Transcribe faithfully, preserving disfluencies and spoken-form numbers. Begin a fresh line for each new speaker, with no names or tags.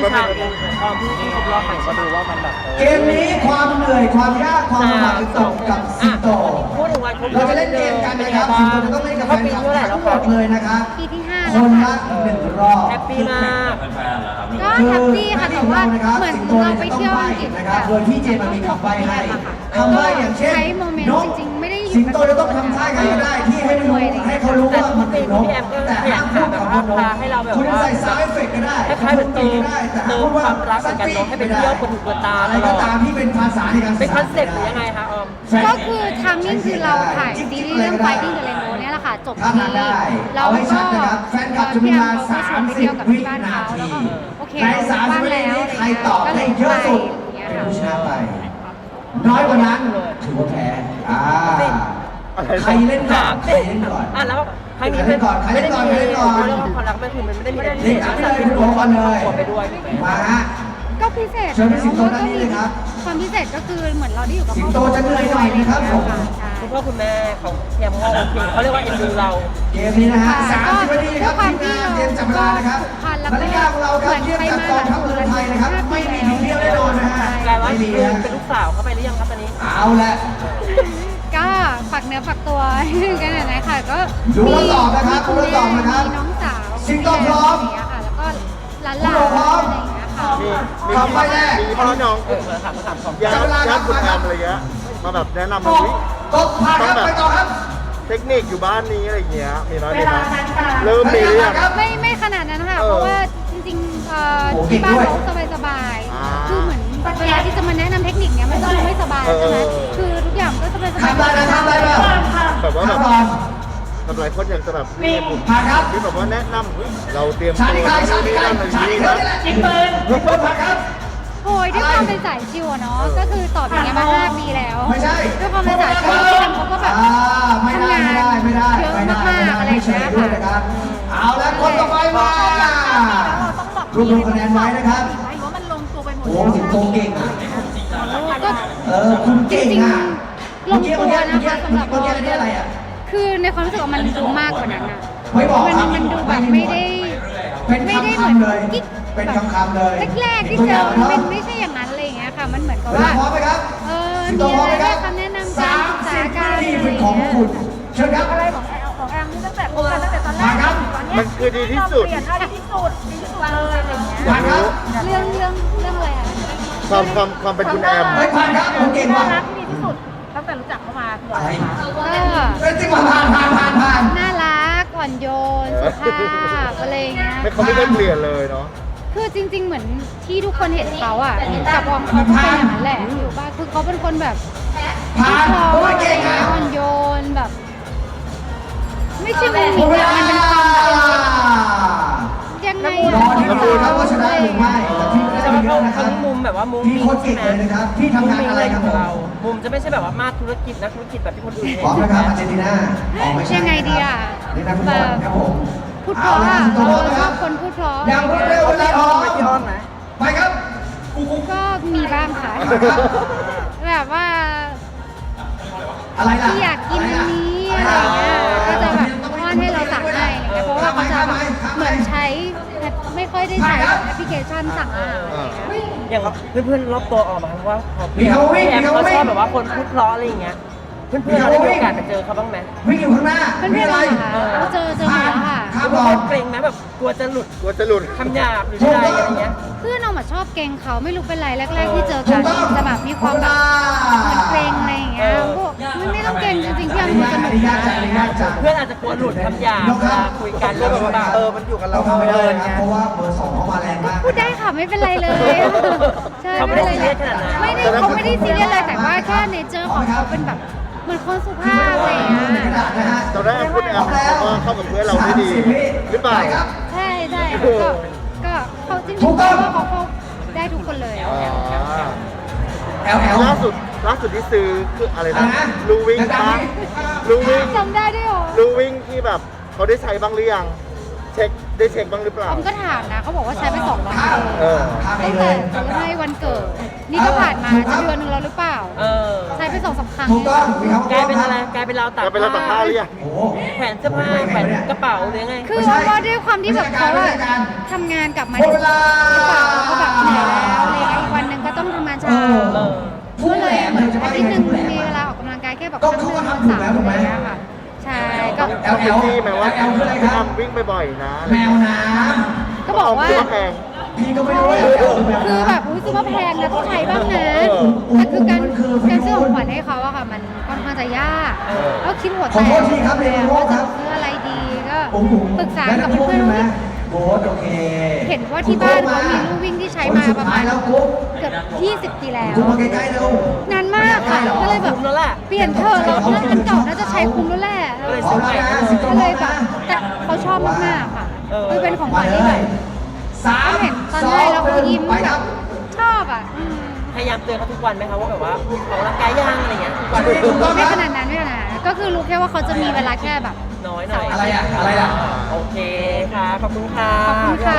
ก็
ใช่
เป็น
ตอนที่ที่ครบรอบใหม่ก็ดูว่ามันแบบ
เกมนี้ความเหนื่อยความยากความลำบากจะตกกับสิงโต
พูดถึงวันครบร
เรา
อบ
จะเล่นเกมกันนะครับสิงโตจะต้องเล่นกับแฟนคลับทั้งหมดเลยนะครับ
ปีที่ห้า
ค
แล้ว
น
ค่ะ
ละหนึ่งรอบ
แฮปปี้มาก
ก็แฮปปี้ค่ะแต่ว่าเหมือนเราไปเที่ยวอังกฤษ
นะครับโดยที่เจมันมีคำใบ้ให้คำใบ้อย่างเช่น
ใช้โมเมนต์
นก
จริงๆไม่ได้อยู่
สิงโตจะต้องทำท่าไงก็ได้ที่ให้รู้ให้เขารู้ว่ามันคือนกแต่ห้ามพูดคำว่านกคุณจะใส่ซาวด์เอฟเฟกต์ก็ได้
คล้ายๆเหมือนเติม
ได้แต่
เติมความรักเหมือนกันเนาะให้เป็นเที่ยวคนหูคนตา
อะไร
ตล
ก็
อด
ตามที่เป็นภาษาในการ
เป็นคอนเซ็ปต์หรือยังไงคะออม
ก็คือทามมิ่งคือเราถ่ายซีรีส์เรื่อง Fighting the Rainbow เนี่ยแหละค่ะจบ
ถ้า
ที่
ทานได้
เรา
เอาให้
ก็
ชัดนะครับแฟนคลับจะมี
พี่
เว
แอ
ลาม
เขาก็ชวนไป
30
เที่ยวกับ
วิ
ที่บ้าน
นา
เขา
ที
แล้วก็โอเค
ในสามสิ
บ้า
บ
น
วินา
แล้ว
ที
อะไร
ใคร
เงี้ย
ตอบ
ก็เล
ได้
ย
เยอะสุด
ไปอย่าง
เป็น
เงี้ย
ผู้ช
ค่ะ
นะไป น้อยกว่านั้นถือว่าแพ้อ่าใครเล่นก่อนใครเล่นก่อน
อ่ะแล้วครั้งนี้
ใครเล่นก่อนใครเล่นก่อนใครเล่นก่อน
เรื่องความรักไม่คือมันไม่ได้มีอะไรพิ
เล่
เศ
น
ษ
กันเลยคุณโอก่อนเลย
ไปด้วย
มาฮะ
ก็พิเศษ
เชิญพี่สิงโต
เพราะว่า
ด้านนี้เลยครับ
ความพิเศษก็คือเหมือนเราได้อยู่กับ
สิ
ค
ง
รอบ
โต
ครัว
จะเหนื่อยหน่อยนะครับผม
ใช่
คุณพ่อคุณแม่ของเทียมเขาโอเคเขาเรียกว่าเอ็นดูเรา
เกมนี้นะฮะ
ค่ะ
สามสิบนาทีครับทีมงานเตรียมจับเวลานะครับนาฬิกาของเราครับเทียบกับกองทัพเรือไทยนะครับ ไม่มีผิดเพี้ยนแน่นอนนะฮะ
กลายว่า
ไม่มี
คือ
ฮะ
เป็นลูกสาวเข้าไปหรือยังครับตอนนี้
เอาละ
ก็ฝากเนื้อฝากตัวกันหน่อยนะคะก็
ดูแล้วตอบนะครับดูแล้วตอบนะครับ
มีน้องสาว
สิงโตพร้อม
ย่างเงี้ยค่ะแล้วก็หลานๆ
คุณโอพร้อม
อะไรอย่างเงี้ยค่ะ
มีมี
คำใบ้แรก
มีพี่น้อง
เออมาถามมาถามของ
ญาติ
จับเวลาค
ญา
รับ
ติคุณแอมอะไรเงี้ยมาแบบแนะนำ
ต
มาก วิ
ตกผ่านครับไปต่อครับ
เทคนิคอยู่บ้านนี้อะไรเงี้ยมีน้อยมีน้อยเริ่มมีหรือยัง
ครับ
ไม่ไม่ขนาดนั้นค่ะ
เออ
เพราะว่าจริงๆเอ่อ
โอ้เก่
ที่
ง
บ้าน
ด้วย
เขาสบาย
อ่า
ๆคือเหมือนเวลาที่จะมาแนะนำเทคนิคเนี้ยมันก็ดูไม่สบาย
เออ
ใช่ไหม
เออ
คือทุกอย่างก็สบายๆ
ทำได้นะทำได้เปล่า
แบบว่าแบบ
ทำก่อน
แบบหลายคนอยากจะแบบมีกลุ่ม
ผ่านครับ
ที่แบบว่าแนะนำเฮ้ยเราเตรียม
ชา
ตัว
ติใครชาติใคร
นั่นนั่น
ชาติ
นี่
ใคร
นะ
นี่แหละยิงปืนยิงปืนผ่านครับ
โอ้ยด้วยความเป็นสายชิวอะเนาะก็คือตอบอย่างเงี้ยมาห้าปีแล้ว
ไม่ใช่
ด้วยความเป็นสายชิวพี่แอมเขาก็แบบ
อ่าไม่ได้
ทำงาน
ไม่ได้ไม่ได้
เยอะ
ไม่ได้
มากๆอะไร
ไม่
อย่าง
เฉ
เงี้
ย
ย
ด้วย
ค่ะ
นะครับ เอาละคนต่อไปมารวบรวมคะแนนไว้นะครับ
หรือว่ามันลงตัวไปหมด
โอ้สิงโตเก่งอ่ะ
ก็
เออคุณเก่งอ่ะ
ลงตัวนะคะสำหรับ
เมื่อกี้อันนี้อะไรอ่ะ
คือในความรู้สึกว่ามันดูมากกว่านั้นอะ
ไม่บอก
มัน
ครับ
มันดูแบบไม่ได้
เป็น
ไม่ได้
คำ
เหมือน
ๆเลย
กิ๊ก
เป็น
แบบ
คำๆเลย
แรกๆที่เจอมันเป็นไม่ใช่อย่างนั้นอะไรอย่างเงี้ยค่ะ มันเหมือนกับ
เวลา
ว่า
พร้อมไหมครับ
เออ
สิงโต
มี
พร้อ
อะ
ม
ไร
ไหมค
ให้
รับ
คำแนะนำ
สา
การ
ม
ศึกษา
สิบ
การ
วินาทีเป็นของคุณเชิญครับ
อะไรของแอลของแอลนี่ตั้งแต่คบกันตั้งแต่ตอนแร
มาก ครับ
ตอนเนี้ย
มันคือดีที่สุด
เปลี่ยนได้ดีที่สุดดีที่สุดเลยอะไรอย่างเงี้ย
ผ่านครับ
เรื่องเรื่องเรื่องอะไรอะ
ความความความเป็นคุณแอม
เฮ้ยผ่านครับผมเก่ง
น่า
ว่ะ
รักที่ดีที่สุดตั้งแต่รู้จักเขามาคือ
อะ
อะไร ไรคะ
ก็
เฮ้ยจริงว่ะผ่านผ่านผ่านผ่าน
น่ารักอ่อนโยนสุภาพอะไรอย่างเงี้ย
ไม่เขาไม่ได้เปลี่ยนเลยเนาะ
คือจริง ๆ เหมือนที่ทุกคนเห็นเขาอ่ะกับวองเขาก็เป็นอย่างนั้นแหละอยู่บ้านคือเขาเป็นคนแบบ
ผ่าน
พอ
ผม
อะ
ว่า
ไร
เก่ง
เงี้
อ่ะ
ยอ่อนโยนแบบ ไม่ใช่มุม
หม
นี้
ดเว
อะ
ลา
มันเป็นความแบบยังไง
ร
อะ
อที่ดูครับว่าชนะหรือไม่แต่ที่ไม่ได้
แต่
เย
ว่า
อะนะค
เขา
รับ
มุมแบบว่ามุม
พี่โคตรเก่งเลยนะครับพี่ทำงานอะไรครับผม
เรามุมจะไม่ใช่แบบว่ามาธุรกิจนักธุรกิจแบบที่คนอื่น
พร้อมนะครับอาร์เจนตินาออกไม่ใช่
ยังไงดีอ่ะ
นี่นักฟุตบอลครับผม
พูดเพราะ
เอา
อ่ะ
ละสิงโต
เรา
นะค
ช
รั
อ
บบ
คนพูดเพราะ
อย่างรวดเร็วเวลาพร้อม
พี่อ้อนไหม
ไปครับ
ก็มีบ้างค่ะ แบบว่า
อะไรล่ะ
ที่อยากกินอันนี้อะไรอย่างเงี้ยก็จะแบบอ้อนให้เราสั่งให้อะไรเงี้ยเพราะว่าเขาจะแบบเหมือนใช้ไม่ค่อยได้ใช้แอปพลิเคชันสั่งอาหารอะไรเงี้ย
อย่างเพื่อนๆรอบตัวออกมาว่าเขา
มีเขาวิ่ง
แอม
มีเขา
เขา
วิ่
ช
ง
อบแบบว่าคนพูดเพราะอะไรอย่างเงี้ย เพื่อนๆเราได้มีโอกาสไปเจอเขาบ้างไหม
วิ่งอยู่ข้างหน้า
เพื่อนๆ
มีอะไร
เหรอคะเจอเจอหมดแล้วค่ะ
ข้าม
กลั
บ
ว
อล
เกรงไหมแบบกลัวจะหลุด
กลัวจะหลุด
คำหยาบหรืออะไรอะไรเงี้ย
เพื่อนเราอะชอบเกรงเขาไม่รู้เป็นไรแรก ๆ ที่เจอกันจะแบบมีความแบบเหมือนเกรงอะไรอย่างเงี้ยพวกมันไม่ต้องเกรงจริงๆพี่
อั
อั
น
น
นี้
มัน
ยาก
ส
อัน
นุก
นี้ยากจังอันนี้ยากจัง
เพื่อนอาจจะกลัวหลุดคำหยาบเวลาคุยกันเรื่องแบบเออมันอยู่กับเรา
เราทำไม่ได้
เดิน
นะ
ไง
เพราะว่าเบอร์สองเขามาแรงมาก
พูดได้ค่ะไม่เป็นไรเลยใช่
เขาไม่ได้ซีเรียสขนาดนั้น
ไม่ได้เขาไม่ได้ซีเรียสเลยแต่ว่าแค่เนเจอร์ของเขาเป็นแบบเหมือนคนสุภาพอะไรอย่างเงี้ย
ตอนแรกคุณแอมเขาก็เข้ากับเพื่อนเราได้ดี หรือเปล่า
ครับ
ใช่ใช่ก็ก็เขาจริงๆเขาว่าเขาเขาได้ทุกคนเลย
อ๋อ
แอลแอล
ล่าสุดล่าสุดที่ซื้อคืออะไร
อะไร
นะ
นะ
ลูวิ่ง
ดังๆ
ปะ
นี่
ลูวิ่ง
จำได้ด้วยเหรอ
ลูวิ่งที่แบบเขาได้ใช้บ้างหรือยังเช็คได้เช็คบ้างหรือเปล่า
ออมก็ถามนะเขาบอกว่าใช้ไปสองวัน
ข้าม
เออ
ข้ามไป
ตั้ง
เล
แต่
ย
ซื้อให้วันเกิด นี่ก็ผ่านมาจะเดือนหนึงแล้วหรือเปล่า
เออ
ใช้ไปสองสามครั้ง
ถูกต้องมีคำว่าก
ลายเป็นอะไรกลายเป็นเราวตัก
จะไปรับตักผ้าหรือยัง
โอ้โห
แขวนเสื้อผ้าแขวนกระเป๋าหรือยังไง
คือว่าด้วยความที่แบบเขาอะทำงานกลับมา
หมดเวลา
หรือเปล่าแล้วก็แบบเหนื่อยแล้วอะไรเงี้ยอีกวันหนึ่งก็ต้องทำงานเช้า
เออ
ผู้
ก็
แห
เล
ล
ย
ม
เหมือน
จะ
อา
ว่า
ทิ
ยั
ต
ง
ย์
ไง
หนึ่ง
ผู้แหลม
มีเวลาออกกำลังกายแค่แบบ
ก็
ครั้งห
เขา
นึ่ง
ก็
สาม
ทำถูกแล้วถูกไหม
อะไรเงี้ยค่ะใช่ก็
เอาเต็มที่ไหมว่า
แอลคืออะไรครับ
ทำวิ่งบ่อยๆนะ
แมวน้
ก็บอกว่า
เคิดแพง
ำพี่ก็ไม่รู้ว่าแอลคือแบบ
คือแบบอุ้ยซื้อมาแพงนะต้องใช้บ้างนะแต่คือการการซื้อของขวัญให้เขาอะค่ะมันค่อนข้างจะยากก็คิดหัวแต
ขอโทษ
ก
ทีครับเรียน
ว่า
ค
จะ
รับ
ซื้ออะไรดีก็
ผมผม
ปรึกษา
แล้ว
กับ
น้ำพุ
เพื่อน
ใช่ไหม
ๆ
โบ๊ทโอเค
เห็นว่าที่บ้านเขามีลู่วิ่งที่ใช้มาประมาณ
แล้วกุ๊บ
เกือบยี่สิบปีแล้ว
กุ๊บมาใกล้ๆเร็วน
านมากค่ะก็เลยแบบ
คุ้มแล้วแหละ
เปลี่ยนเถอะเราน่าอันเก่าน่าจะใช้คุ้มแล้วแหละ
ก็เลย
พร้อมแล้วนะสิบ
ก็
ตัว
เลย
นะ
แบบแต่เขาชอบมากๆค่ะ
เออ
คือเป็นของข
มา
วัญ
เล
ที่แบ
ย
บ
สาม
เห็นตอน
สอ
ให้
ง
แล้วเขายิ้ม
ไป
แบ
ครับ บ
ชอบอ่ะอืม
พยายามเตือนเขาทุกวันไหมคะว่าแบบว่าออกกำลังกายย่างอะไรเงี้ยทุกวัน
ถูกต้องค
ไม่
รับ
ขนาดนั้นไม่ขนาดนั้นก็คือรู้แค่ว่าเขาจะมีเวลาแค่แบบ
น้อยหน่อย
อะไรอ่ะอะไรอ่ะ
โอเคค่ะ ขอบคุณค่ะ
ขอบคุณค่ะ